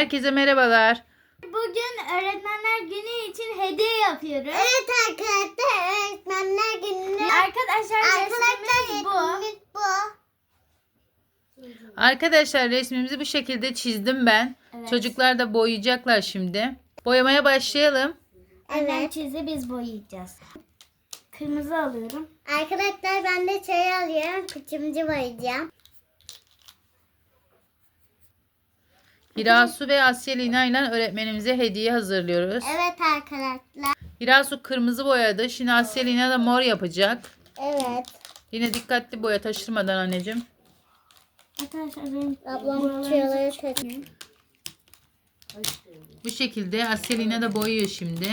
Herkese merhabalar. Bugün Öğretmenler Günü için hediye yapıyoruz. Evet arkadaşlar, Öğretmenler Günü'nü. Arkadaşlar resmimiz bu. Arkadaşlar resmimizi bu şekilde çizdim ben. Evet. Çocuklar da boyayacaklar şimdi. Boyamaya başlayalım. Annem Evet. çizdi, biz boyayacağız. Kırmızı alıyorum. Arkadaşlar ben de çay alıyorum. Kıçımcı boyayacağım. Hirasu ve Asya Lina ile öğretmenimize hediye hazırlıyoruz. Evet arkadaşlar. Hirasu kırmızı boyadı. Şimdi Asya Lina da mor yapacak. Evet. Yine dikkatli boya, taşırmadan anneciğim. Arkadaşlar benim Ablam çiğleri takıyor. Bu şekilde Asya Lina da boyuyor şimdi.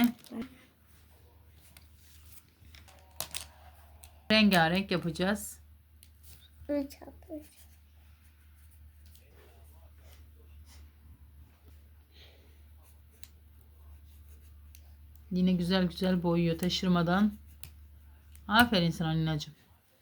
Rengarenk yapacağız. Yine güzel güzel boyuyor taşırmadan. Aferin sana Lina'cığım.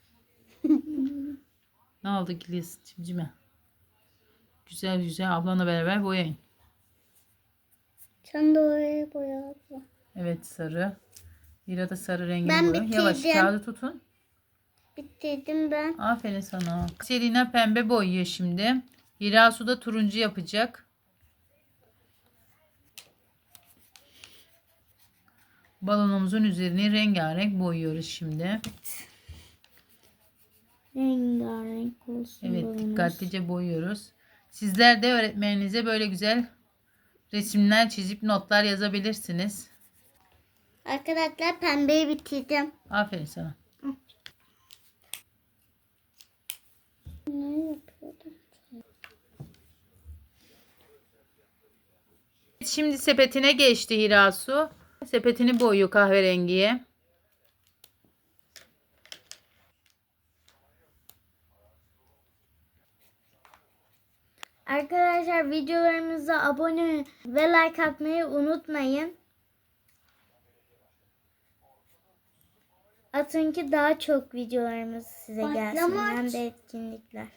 Ne oldu Gilis cimcime? Güzel güzel ablanla beraber boyayın. Sen de oraya boya abla. Evet, sarı. Lira da sarı rengini Ben boyuyor. Yavaş bitirdim. kağıdı tutun. Bitirdim ben. Aferin sana. Selina pembe boyuyor şimdi. Hirasu da turuncu yapacak. Balonumuzun üzerini rengarenk boyuyoruz şimdi. rengarenk olsun. Evet, balonumuz. dikkatlice boyuyoruz. Sizler de öğretmeninize böyle güzel resimler çizip notlar yazabilirsiniz. Arkadaşlar pembeyi bitirdim. Aferin sana. Ne yapıyordum? Şimdi sepetine geçti Hirasu. Sepetini boyuyor kahverengiye. Arkadaşlar videolarımıza abone ve like atmayı unutmayın. Atın ki daha çok videolarımız size gelsin. Patlamaç. Hem de etkinlikler.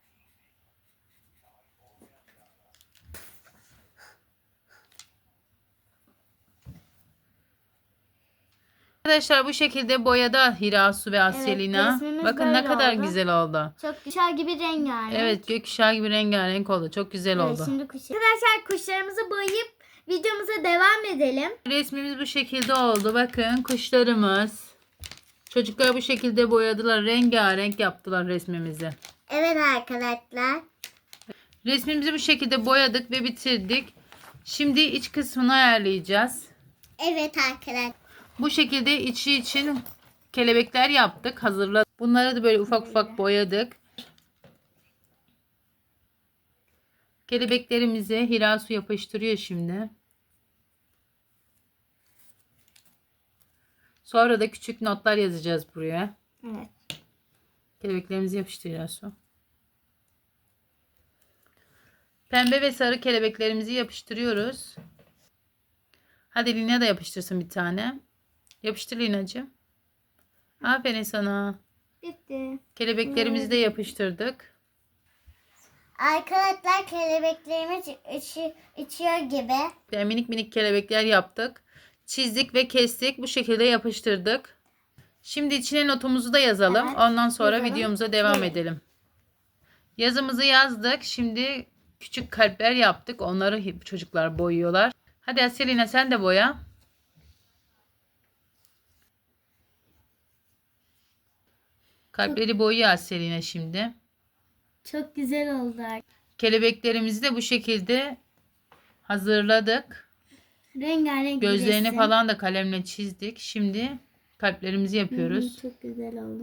Arkadaşlar bu şekilde boyada Hirasu ve Asyelina. resmimiz Bakın ne böyle kadar oldu. güzel oldu. Çok güzel gibi rengarenk. Evet, gökkuşağı gibi rengarenk oldu. Çok güzel Evet, oldu. şimdi arkadaşlar kuşlarımızı boyayıp videomuza devam edelim. Resmimiz bu şekilde oldu. Bakın kuşlarımız. Çocuklar bu şekilde boyadılar. Rengarenk yaptılar resmimizi. Evet arkadaşlar. Resmimizi bu şekilde boyadık ve bitirdik. Şimdi iç kısmını ayarlayacağız. Evet arkadaşlar. Bu şekilde içi için kelebekler yaptık. Hazırladık. Bunları da böyle ufak ufak boyadık. Kelebeklerimizi Hirasu yapıştırıyor şimdi. Sonra da küçük notlar yazacağız buraya. Evet. Kelebeklerimizi yapıştır Hirasu. Pembe ve sarı kelebeklerimizi yapıştırıyoruz. Hadi Lina da yapıştırsın bir tane. Yapıştır Lina'cığım. Aferin sana. Bitti. Kelebeklerimizi de yapıştırdık. Arkadaşlar kelebeklerimiz içiyor gibi. Yani minik minik kelebekler yaptık. Çizdik ve kestik. Bu şekilde yapıştırdık. Şimdi içine notumuzu da yazalım. Evet, Ondan sonra yazalım. videomuza devam Evet. edelim. Yazımızı yazdık. Şimdi küçük kalpler yaptık. Onları çocuklar boyuyorlar. Hadi Aselina sen de boya. Kalpleri boyuyor Aselina şimdi. Çok güzel oldu. Kelebeklerimizi de bu şekilde hazırladık. Rengarenk bir Gözlerini resim. falan da kalemle çizdik. Şimdi kalplerimizi yapıyoruz. Çok güzel oldu.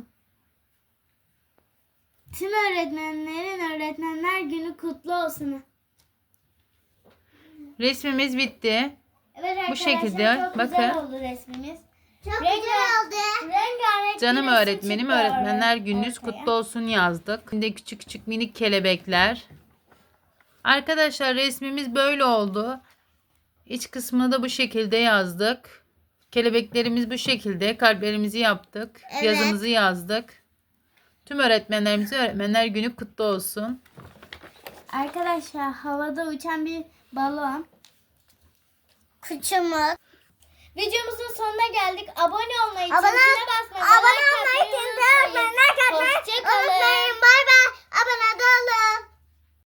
Tüm öğretmenlerin Öğretmenler Günü kutlu olsun. Resmimiz bitti. Evet arkadaşlar, şekilde, çok güzel bakın. oldu resmimiz. Çok güzel oldu. Rengarenk Canım bir resim öğretmenim, çıktı öğretmenler gününüz ortaya. kutlu olsun yazdık. Şimdi küçük küçük minik kelebekler. Arkadaşlar resmimiz böyle oldu. İç kısmını da bu şekilde yazdık. Kelebeklerimiz bu şekilde. Kalplerimizi yaptık. Evet. Yazımızı yazdık. Tüm öğretmenlerimize Öğretmenler Günü kutlu olsun. Arkadaşlar havada uçan bir balon. Kıçımız. Videomuzun sonuna geldik. Abone olmayı, Abone çantasına basmayı, abone like olmayı, atmayı tinteye unutmayın.